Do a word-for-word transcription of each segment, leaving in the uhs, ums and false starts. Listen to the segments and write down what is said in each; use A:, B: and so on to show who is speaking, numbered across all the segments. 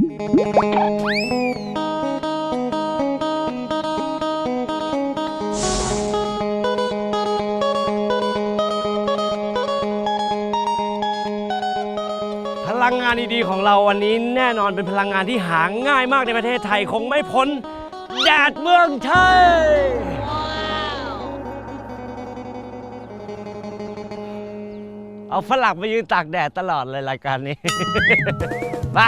A: พลังงานดีๆของเราวันนี้แน่นอนเป็นพลังงานที่หาง่ายมากในประเทศไทยคงไม่พ้นแดดเมืองไทย เอาฝรั่งไปยืนตากแดดตลอดเลยรายการนี้ มา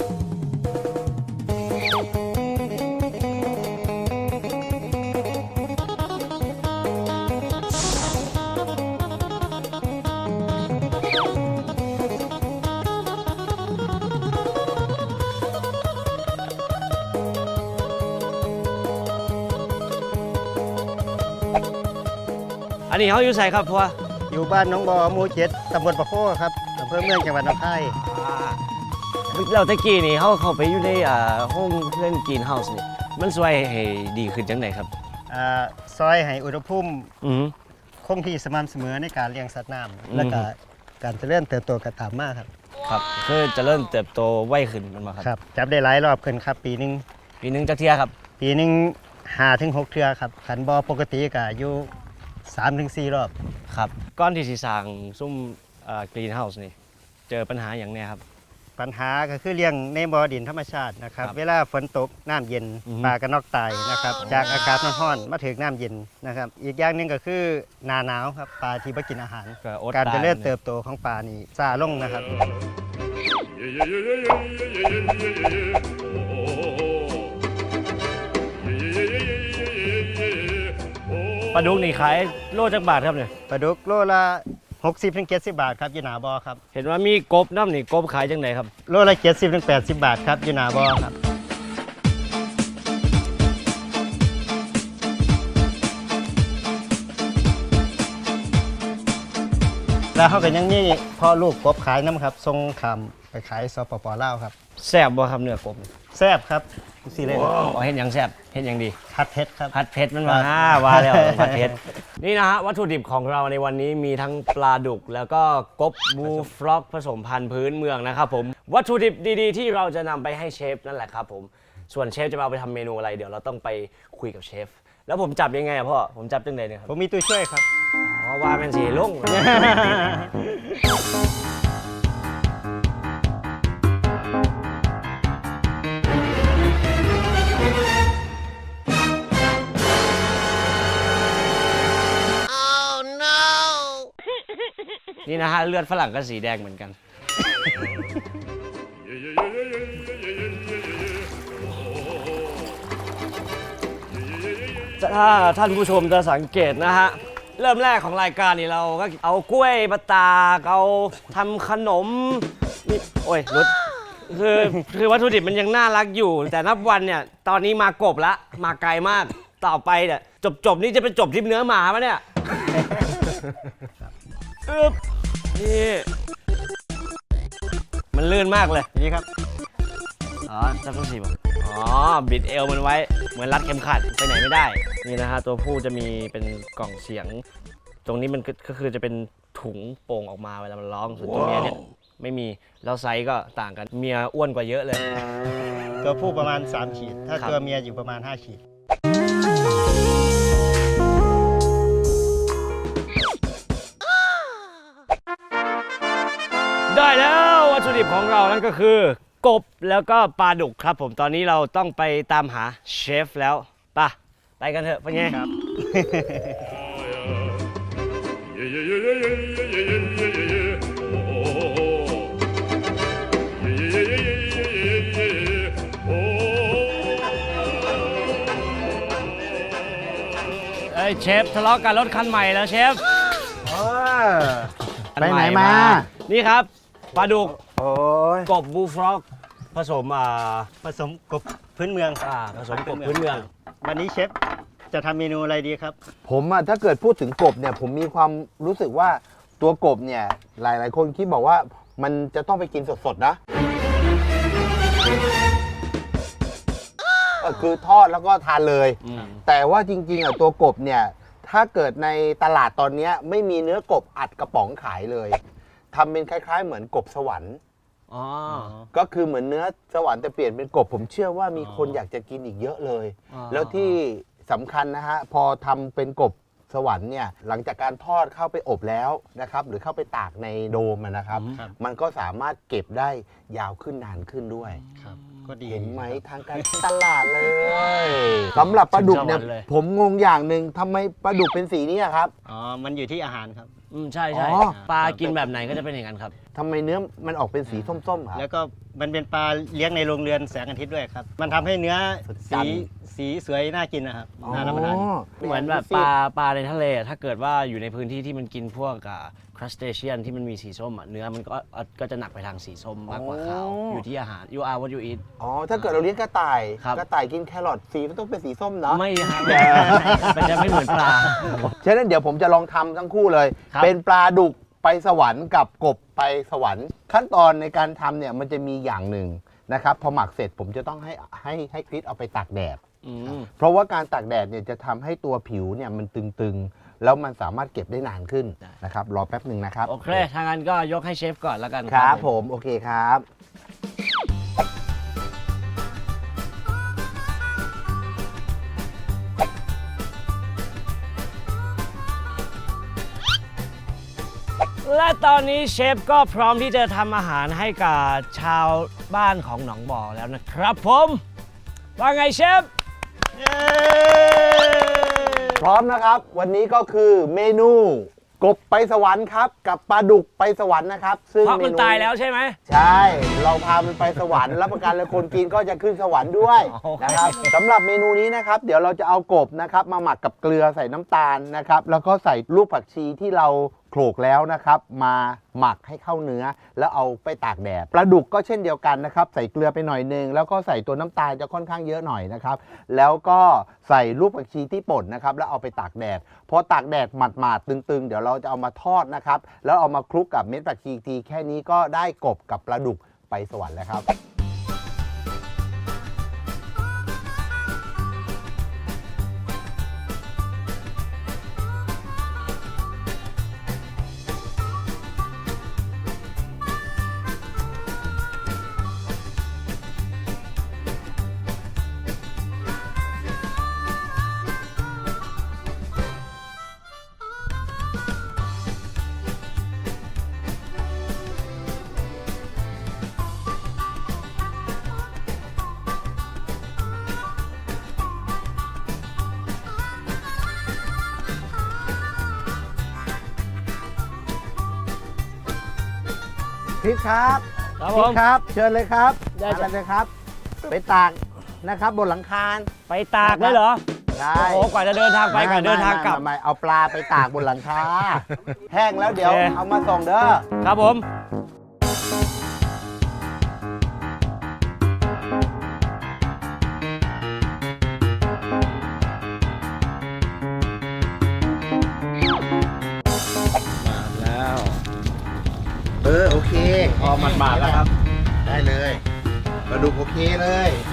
A: อันนี้เขาอยู่ใส่ครับพ่อ
B: อยู่บ้านน้องบอหมู่เจ็ดตำบลปะโคครับอำเภอเมืองจังหวัดหนองคาย
A: เราตะกี้นี่เขาเข้าไปอยู่ในห้องเพื่อนกินเฮาส์นี่มันช่วยให้ดีขึ้นจังไหนครับ
B: ซอยให้อุณหภูมิคงที่สม่ำเสมอในการเลี้ยงสัตว์น้ำและก็การเจริญเติบโตกระตามมากครับ
A: ครับคือเจริญเติบโตไวขึ้นมันมาครับ
B: ครับจับได้หลายรอบขึ้นครับปีนึง
A: ปีนึงจักเที่ยครับ
B: ปีนึงห้าถึงหกเทื่อครับขันบอปกติก็อยู่สามถึงสี่รอบ
A: ครับก้อนที่สีสร้างซุ้มกรีนเฮาส์นี่เจอปัญหาอย่างเนี้ยครับ
B: ปัญหาก็คือเลี้ยงในบ่อดินธรรมชาตินะครับเวลาฝนตกน้ำเย็นปลากระนอกตายนะครับจากอากาศร้อนๆมาถึงน้ำเย็นนะครับอีกอย่างหนึ่งก็คือหน้าหนาวครับปลาที่ไม่กินอาหารการเจริญเติบโตของปลานี่ซาลงนะครับ
A: ปลาดุกนี่ขายโลจักบาทครับเนี่ย
B: ปลาดุกโลละหกสิบถึงเจ็ดสิบบาทครับยูนาบอครับ
A: เห็นว่ามีกบน้ำนี่กบขายจังไหนครับ
B: โลละเจ็ดสิบถึงแปดสิบบาทครับยูนาบอครับแล้วเขากันยังนี่พ่อลูกกบขายน้ำครับทรงคำไปขายสปปลาวครับ
A: แซ่บบ่ครับเนื้อกบ
B: แซ่บครับสิเลย
A: อ๋อเห็นยังแซ่บเห็นยังดี
B: ผัดเผ็ดครับ
A: ผัดเผ็ดมันมาฮ่าว่าแล้วผัดเผ็ดนี่นะฮะวัตถุดิบของเราในวันนี้มีทั้งปลาดุกแล้วก็กบบูฟล็อกผสมพันธุ์พื้นเมืองนะครับผมวัตถุดิบดีๆที่เราจะนำไปให้เชฟนั่นแหละครับผมส่วนเชฟจะมาเอาไปทำเมนูอะไรเดี๋ยวเราต้องไปคุยกับเชฟแล้วผมจับยังไงอะพ่อผมจับจังไดเนี่ยครับ
B: ผมมีตัวช่วยครับ
A: เพราะว่าเป็นสีลุงนี่นะฮะเลือดฝรั่งก็สีแดงเหมือนกันถ้าท่านผู้ชมจะสังเกตนะฮะเริ่มแรกของรายการนี่เราก็เอากล้วยมาตากเอาทำขนมนี่โอ้ยรุดคือคือวัตถุดิบมันยังน่ารักอยู่แต่นับวันเนี่ยตอนนี้มากบละมาไกลมากต่อไปเนี่ยจบจบนี่จะเป็นจบที่เนื้อหมาปะเนี่ยอึ๊บนี่มันลื่นมากเลย
B: นี่ครับ
A: อ๋อจับต้องสีบอ๋อบิดเอวมันไว้เหมือนรัดเข็มขัดไปไหนไม่ได้นี่นะฮะตัวผู้จะมีเป็นกล่องเสียงตรงนี้มันก็คือจะเป็นถุงโป่งออกมาเวลามันร้องส่วนตัวเมียเนี่ยไม่มีแล้วไซส์ก็ต่างกันเมียอ้วนกว่าเยอะเลย
B: ตัวผู้ประมาณสามขีดถ้าตัวเมียอยู่ประมาณห้าขีด
A: ได้แล้ววัตถุดิบของเรานั่นก็คือกบแล้วก็ปลาดุกครับผมตอนนี้เราต้องไปตามหาเชฟแล้วป่ะไปกันเถอะเป็นไงครับเอ้ยเชฟทะเลาะกันรถคันใหม่แล้วเชฟ
B: ไปไหนมา
A: นี่ครับปลาดุกกบบูฟล็อกผสมอ่า
B: ผสมกบพื้นเมือง
A: อ่าผสมกบพื้นเมือง
B: วันนี้เชฟจะทำเมนูอะไรดีครับ
C: ผมอ่ะถ้าเกิดพูดถึงกบเนี่ยผมมีความรู้สึกว่าตัวกบเนี่ยหลายๆคนคิดบอกว่ามันจะต้องไปกินสดๆนะคือทอดแล้วก็ทานเลยแต่ว่าจริงๆอ่ะตัวกบเนี่ยถ้าเกิดในตลาดตอนนี้ไม่มีเนื้อกบอัดกระป๋องขายเลยทำเป็นคล้ายๆเหมือนกบสวรรค์
A: อ๋อ
C: ก็คือเหมือนเนื้อสวรรค์แต่เปลี่ยนเป็นกบผมเชื่อว่ามีคนอยากจะกินอีกเยอะเลย
A: อ๋อ
C: แล้วที่สำคัญนะฮะพอทำเป็นกบสวรรค์เนี่ยหลังจากการทอดเข้าไปอบแล้วนะครับหรือเข้าไปตากในโดมอะนะครับ
B: ครับ
C: มันก็สามารถเก็บได้ยาวขึ้นนานขึ้นด้วย
B: ครับก็ดี
C: เห็นไหมทางการตลาดเลยสำหรับปลาดุกเนี่ย
A: ถึงสวรรค์เลย
C: ผมงงอย่างหนึ่งทำไมปลาดุกเป็นสีนี้อะครับ
B: อ๋อมันอยู่ที่อาหารครับ
A: อืมใช่ใช่
C: อ๋อ
A: ปลากินแบบไหนก็จะเป็นอย่างนั้นครับ
C: ทำไมเนื้อมันออกเป็นสีส้มๆครับ
B: แล้วก็มันเป็นปลาเลี้ยงในโรงเรือนแสงอาทิตย์ด้วยครับ มันทำให้เนื้อ
C: สุดจั
B: สี
C: ด
B: สีสวยน่ากินนะครับน่ารับประทาน
A: เหมือนแบบปลาปลาในทะเลอะถ้าเกิดว่าอยู่ในพื้นที่ที่มันกินพวกครัสเตเชียนที่มันมีสีส้มอะเนื้อมันก็ก็จะหนักไปทางสีส้มมากกว่าขาว
C: อ๋อ
A: อ
C: อ
A: ยู่ที่อาหาร you are what you eat
C: อ๋อถ้าเกิดเราเลี้ยงกระต่าย
A: ครับ
C: กระต่ายกินแครอทสีมันต้องเป็นสีส้มเนาะ
A: ไม่ฮะมันจะไม่เหมือนปลา
C: ฉะนั้นเดี๋ยวผมจะลองทำทั้งคู่เลย
A: ครับ
C: เป็นปลาดุกไปสวรรค์กับกบไปสวรรค์ ขั้นตอนในการทำเนี่ยมันจะมีอย่างหนึ่งนะครับพอหมักเสร็จผมจะต้องให้ให้ให้คริสเอาไปตากแดด
A: อืม
C: เพราะว่าการตากแดดเนี่ยจะทำให้ตัวผิวเนี่ยมันตึงๆ แล้วมันสามารถเก็บได้นานขึ้น
A: ได้
C: นะครับรอแป๊บหนึ่งนะครับ
A: โอเคทางนั้นก็ยกให้เชฟก่อนแล้วกัน
C: ครับผมโอเคครับ
A: และตอนนี้เชฟก็พร้อมที่จะทำอาหารให้กับชาวบ้านของหนองบ่อแล้วนะครับผมว่าไงเชฟ
C: พร้อมนะครับ วันนี้ก็คือเมนูกบไปสวรรค์ครับ กับปลาดุกไปสวรรค์นะครับ ซึ่ง
A: เพราะมัน
C: เนู
A: ตายแล้วใช่ไหม
C: ใช่ เราพามันไปสวรรค์รับประกันเลยคนกินก็จะขึ้นสวรรค์ด้วย
A: โอเค
C: นะครับสำหรับเมนูนี้นะครับ เดี๋ยวเราจะเอากบนะครับมาหมักกับเกลือใส่น้ำตาลนะครับ แล้วก็ใส่ลูกผักชีที่เราโขลกแล้วนะครับ มาหมักให้เข้าเนื้อ แล้วเอาไปตากแดดปลาดุกก็เช่นเดียวกันนะครับ ใส่เกลือไปหน่อยนึงแล้วก็ใส่ตัวน้ำตาลจะค่อนข้างเยอะหน่อยนะครับ แล้วก็ใส่ลูกผักชีที่ป่นนะครับ แล้วเอาไปตากแดดพอตากแดดหมาดๆตึงๆ เดี๋ยวเราจะเอามาทอดนะครับ แล้วเอามาคลุกกับเม็ดผักชีอีกทีแค่นี้ก็ได้กบกับปลาดุกไปสวรรค์แล้วครับ คริสครับ
A: ครับ
C: ค
A: ผ
C: ริส
A: ม
C: ครับ เชิญเลยครับ
A: ได้
C: มา
A: จ้ะ
C: เลยครับ ไปตากนะครับบนหลังคา
A: ไปตากเลยเหรอ
C: ใช่
A: โอ้โหกว่าจะเดินทางไปกว่าเดินทางกลับ
C: ไม่ไม่ไม่เอาปลาไปตากบนหลังคา แห้งแล้วเดี๋ยว
A: โอเค
C: เอามาส่งเด้อ
A: ครับผม แล้ว
C: เออโอเค
A: พอหมาดๆแล้วครับ
C: ได้เลยปลาดุกโอเคเลย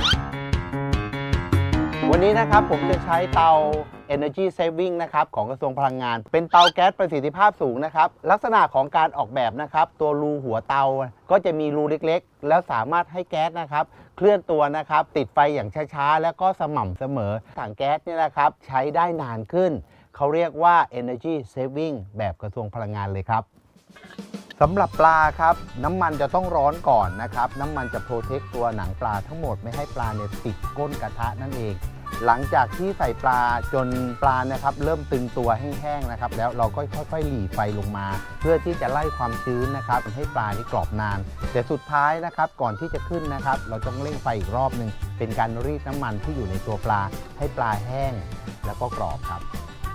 C: วันนี้นะครับผมจะใช้เตา Energy Saving นะครับของกระทรวงพลังงาน เป็นเตาแก๊สประสิทธิภาพสูงนะครับ ลักษณะของการออกแบบนะครับ ตัวรูหัวเตาก็จะมีรูเล็กๆ แล้วสามารถให้แก๊สนะครับ เคลื่อนตัวนะครับ ติดไฟอย่างช้าๆ แล้วก็สม่ำเสมอถังแก๊สเนี่ยนะครับใช้ได้นานขึ้น เขาเรียกว่า Energy Saving แบบกระทรวงพลังงานเลยครับ สำหรับปลาครับน้ำมันจะต้องร้อนก่อนนะครับน้ำมันจะโปรเทคตัวหนังปลาทั้งหมดไม่ให้ปลาเนี่ยติดก้นกระทะนั่นเอง หลังจากที่ใส่ปลาจนปลานะครับเริ่มตึงตัวแห้งๆนะครับแล้วเราก็ค่อยๆหลีไฟลงมา เพื่อที่จะไล่ความชื้นนะครับให้ปลานี่กรอบนาน แต่สุดท้ายนะครับก่อนที่จะขึ้นนะครับ เราต้องเร่งไฟอีกรอบหนึ่งเป็นการรีดน้ำมันที่อยู่ในตัวปลาให้ปลาแห้งแล้วก็กรอบครับ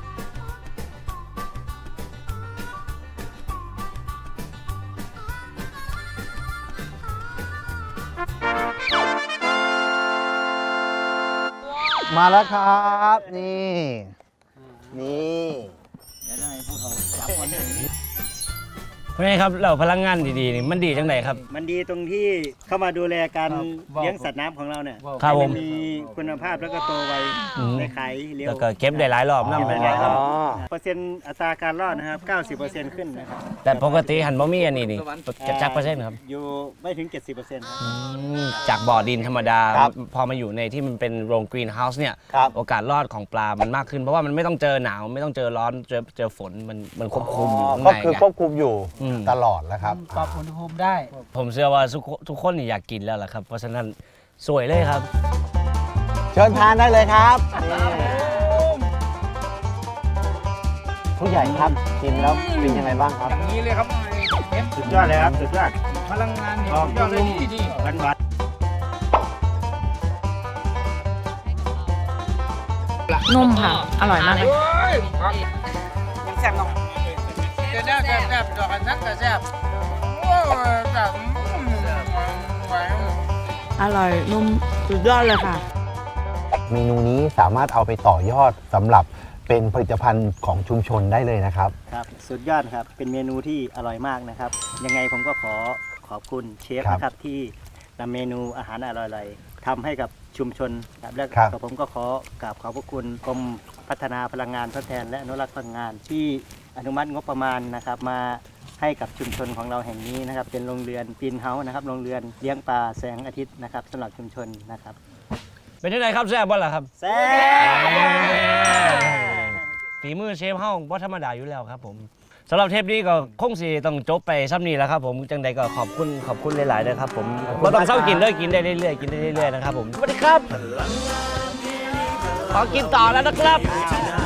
C: มาแล้วครับ นี่ นี่
A: เดี๋ยวได้พวกเขาจับคนเพราะไงครับเราพลังงานดีๆนี่มันดีจังไดครับ
B: มันดีตรงที่เข้ามาดูแลการเลี้ยงสัตว์น้ำของเราเนี่ย
A: ครับผม
B: ให้นมีคุณภาพแล้วก็โตไว
A: อืม
B: ในขายเร็ว
A: แล้วก็เก็บได้หลายรอบนำ
B: เก็บ
A: ไป
B: ได้หลายรอบ
C: อ๋อ
B: เปอร์เซ็นต์อัตราการรอดนะครับ เก้าสิบเปอร์เซ็นต์ ขึ้นนะครับ
A: แต่ปกติหันบ่มีอันนี้นี่จักเปอร์เซ็นต์ครับ
B: อยู่ไม่ถึง เจ็ดสิบเปอร์เซ็นต์ ครับ
A: อืมจากบ่อดินธรรมดา
C: ครับ
A: พอมาอยู่ในที่มันเป็นโรงกรีนเฮาส์เนี่ย
C: ครับ
A: โอกาสรอดของปลา มันมากขึ้น เพราะว่ามันไม่ต้องเจอหนาว ไม่ต้องเจอร้อน เจอเจอฝน มันมันควบคุมอยู่ข้าง
C: ก็
A: ใน
C: คือ
A: ไง
C: ควบคุมอยู่
A: อืม
C: ตลอดแล้วครับ
D: ปรับอุณหภูมิได้
A: ผมเชื่อว่าทุกคนทุกคนนี่อยากกินแล้วล่ะครับ เพราะฉะนั้นสวยเลยครับ
C: เชิญทานได้เลยครับผู้ใหญ่ครับชิมแล้วเป็นยังไงบ้างครับ
D: อย่างนี้เลยครับเอฟ
B: สุดยอดเลยครับ สุดยอด
D: พลังงานนี่
B: ออก
D: ยอดเลยที่นี่
B: หวานหวาน
E: นุ่มค่ะ อร่อยมากเลย
D: มันแซ่บเนาะแซ่บแซ่บแซ่บดอกอันนั้นก็แซ่บโอ้ยแซ่บอืมหวาน
E: อร่อย นุ่ม สุดยอดเลยค่ะ
C: เมนูนี้สามารถเอาไปต่อยอดสำหรับเป็นผลิตภัณฑ์ของชุมชนได้เลยนะครับ
B: ครับสุดยอดครับ เป็นเมนูที่อร่อยมากนะครับ ยังไงผมก็ขอขอบคุณเชฟ
C: ครับ
B: นะครับที่นำเมนูอาหารอร่อยๆทำให้กับชุมชนครับและ
C: ครับ
B: ก็ผมก็ขอกราบขอบพระคุณกรมพัฒนาพลังงานทดแทนและอนุรักษ์พลังงาน ที่อนุมัติงบประมาณนะครับมาให้กับชุมชนของเราแห่งนี้นะครับ เป็นโรงเรือนปีนเฮาส์นะครับโรงเรือนเลี้ยงปลาแสงอาทิตย์นะครับสำหรับชุมชนนะครับ
A: เป็นยังไงครับแซ่บบ่ล่ะครับ
B: แซ่บ
A: ฝีมือเชฟเฮาบ่ธรรมดาอยู่แล้วครับผมสำหรับเทปนี้ก็คงสิต้องจบไปซ้ำนี้แล้วครับผมจังใดก็ขอบคุณขอบคุณหลายๆนะครับผมบ่ต้องเศร้ากินเลยกินได้เรื่อยๆกินได้เรื่อยๆนะครับผมสวัสดีครับขอกินต่อแล้วนะครับ